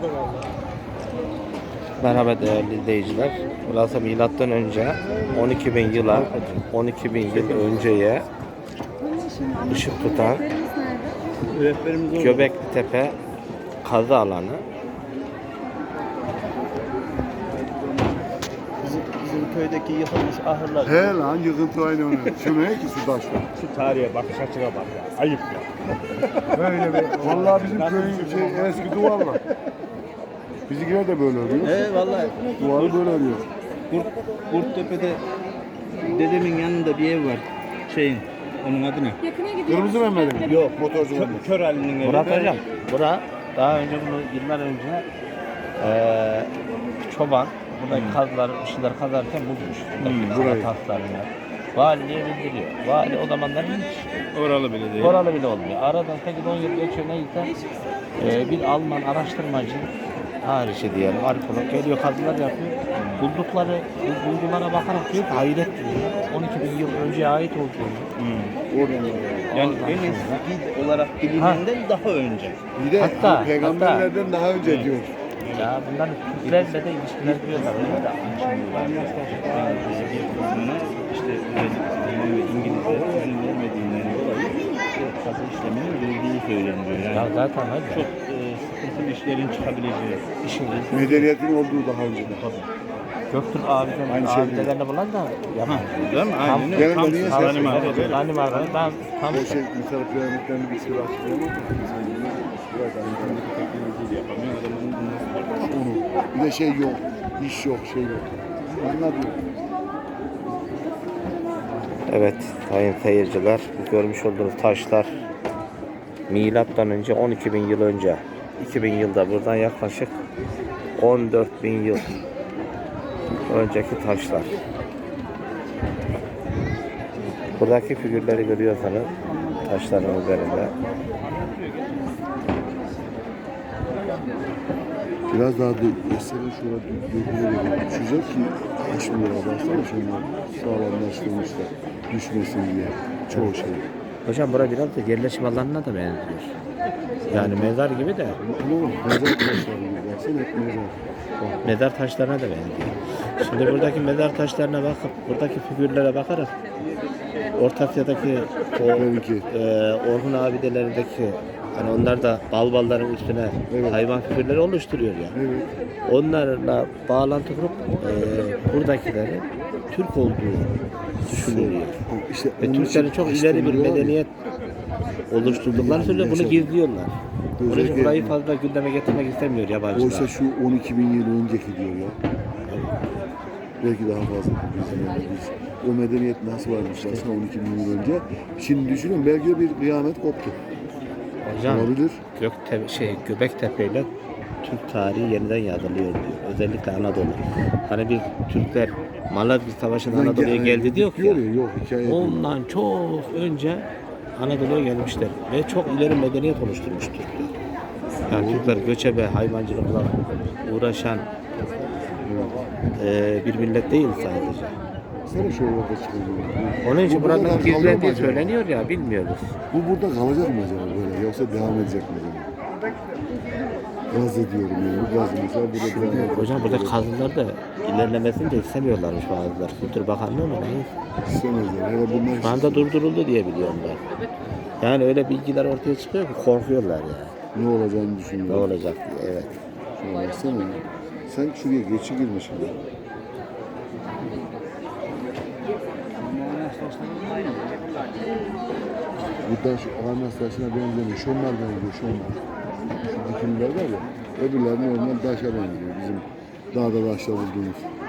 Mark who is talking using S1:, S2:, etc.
S1: Merhaba değerli izleyiciler. Burası milattan önce 12.000 yıla, 12.000 yıl önceye ışık tutan Göbekli Tepe kazı alanı.
S2: Bizim köydeki yıkılmış ahırlar.
S3: He lan yıkıntı aynı onu. Şu ne ki şu taşlar?
S2: Şu tarihe bakış açına bak ya. Ayıp ya.
S3: Böyle be. Vallahi bizim köyün eski duvarlar. Bizimkiler de böyle örüyor.
S2: He vallahi.
S3: Duvarı böyle örüyor.
S2: Kurttepe'de dedemin yanında bir ev var. Onun adı ne?
S3: Kırmızı Mehmet'in.
S2: Yok.
S3: Motorcu Mehmet.
S2: Kör Ali'nin evi.
S1: Murat hocam, bura daha önce bunu yıllar önce çoban buradaki kazıları, bir şeyler kazarken bulmuş.
S3: Burayı.
S1: Taslarını. Valiliğe bildiriyor. Vali o zamanlar hiç
S2: Oralı bile değil.
S1: oralı bile olmuyor. Aradan 8-10 yıl geçiyor neyse bir Alman araştırmacı harici diyelim, arkeolog geliyor, kazılar yapıyor. Buldukları bulgulara bakarak diyor ki hayret diyor. 12.000 yıl önceye ait olduğunu.
S2: Yani en eski olarak bilinenden daha önce.
S3: Bir de
S1: Hatta-
S3: peygamberlerden daha önce diyor.
S1: Ya bunların Türklerle de ilişkiler kuruyorlar. Öyle de
S2: Bir kısmını işte Alman ve İngilizler izin vermediğinden dolayı kazı işleminin yürüdüğü söyleniyor. Yani
S1: Ya zaten öyle.
S2: çok sıkıntılı işlerin çıkabileceği.
S1: İşin
S3: Medeniyetin olduğu daha önce de.
S1: Göktürk abiden
S3: Aynı şey
S1: abidelerini bulan da yapar.
S2: Değil mi? Aynen öyle.
S3: Benim
S2: Tam
S3: de niye
S2: sağlam
S3: ses-
S2: araba böyle.
S1: Benim arabam ben tam
S3: O şey mesela piramitlerini bir sürü açıklayamaz.
S2: Teknolojiyle yapamıyor. Adamın nasıl
S3: Onu. Bir de şey yok. İş yok, şey yok. Anladın.
S1: evet sayın seyirciler, bu görmüş olduğunuz taşlar milattan önce 12.000 yıl önce 2000 yılda buradan yaklaşık 14.000 yıl önceki taşlar. Buradaki figürleri görüyorsanız taşların üzerinde
S3: Biraz daha mesela şurada dökülerek düşecek ki taşmıyor. Baksana şunlar sağlamlaştırmışlar. Düşmesin diye. Çoğu şey.
S1: hocam bura biraz da yerleşim alanına da benziyor. Yani mezar gibi de
S3: Ama mezar taşları gibi. Baksana hep mezar.
S1: mezar taşlarına da benziyor. Şimdi buradaki mezar taşlarına bakıp buradaki figürlere bakarak Orta Asya'daki o
S3: Tabii
S1: Orhun abidelerindeki hani onlar da balbalların üstüne
S3: Evet.
S1: hayvan figürleri oluşturuyor ya.
S3: Evet.
S1: Onlarla bağlantı kurup buradakilerin Türk olduğu düşünülüyor.
S3: İşte
S1: Ve
S3: onun
S1: Türklerin
S3: için
S1: çok
S3: işte
S1: ileri bir
S3: diyorlar ya,
S1: medeniyet oluşturdukları söylüyor. Bunu gizliyorlar. Onun için
S3: Özellikle-
S1: burayı fazla gündeme getirmek istemiyor yabancılar.
S3: Oysa şu 12.000 yıl önceki diyor ya. Belki daha fazla bizim yani biz. O medeniyet nasıl varmış aslında 12.000 yıl önce. Şimdi düşünün belki bir kıyamet koptu.
S1: Hocam
S3: Olabilir.
S1: Göbektepe ile Türk tarihi yeniden yazılıyor diyor. Özellikle Anadolu. Hani bir Türkler Malazgirt Savaşı'nda Anadolu'ya geldi diyor ya.
S3: Yok hikaye değil.
S1: Ondan çok önce Anadolu'ya gelmişler ve çok ileri medeniyet oluşturmuş Türkler. Yani Türkler göçebe, hayvancılıkla uğraşan bir millet değil sadece.
S3: Sana şu orada çıkıyor.
S1: Onun için
S3: Bu burada
S1: buranın
S3: kalıyor mu
S1: gizlendiği
S3: acaba?
S1: söyleniyor ya, bilmiyoruz.
S3: Bu burada kalacak mı acaba böyle yoksa devam edecek mi böyle? Gaz ediyorum yani. Bu gaz mesela burada devam edecek.
S1: Hocam burada kazılar da ilerlemesini de istemiyorlarmış bazıları. Kültür Bakanlığı mı ne?
S3: İstemezler. Ya da bunlar
S1: Şu anda durduruldu diye biliyorum ben. Yani öyle bilgiler ortaya çıkıyor ki korkuyorlar ya.
S3: ne olacağını
S1: Ne
S3: düşünüyorlar.
S1: olacak diye, evet.
S3: Şuna baksana. Sen şuraya geçi girmişsin. Bu da şu Ahmet taşına benzemiyor. Şunlar benziyor, şunlar. Şu dikimler var ya, öbürler normal taşa benziyor. Bizim dağda taşla bulduğumuz.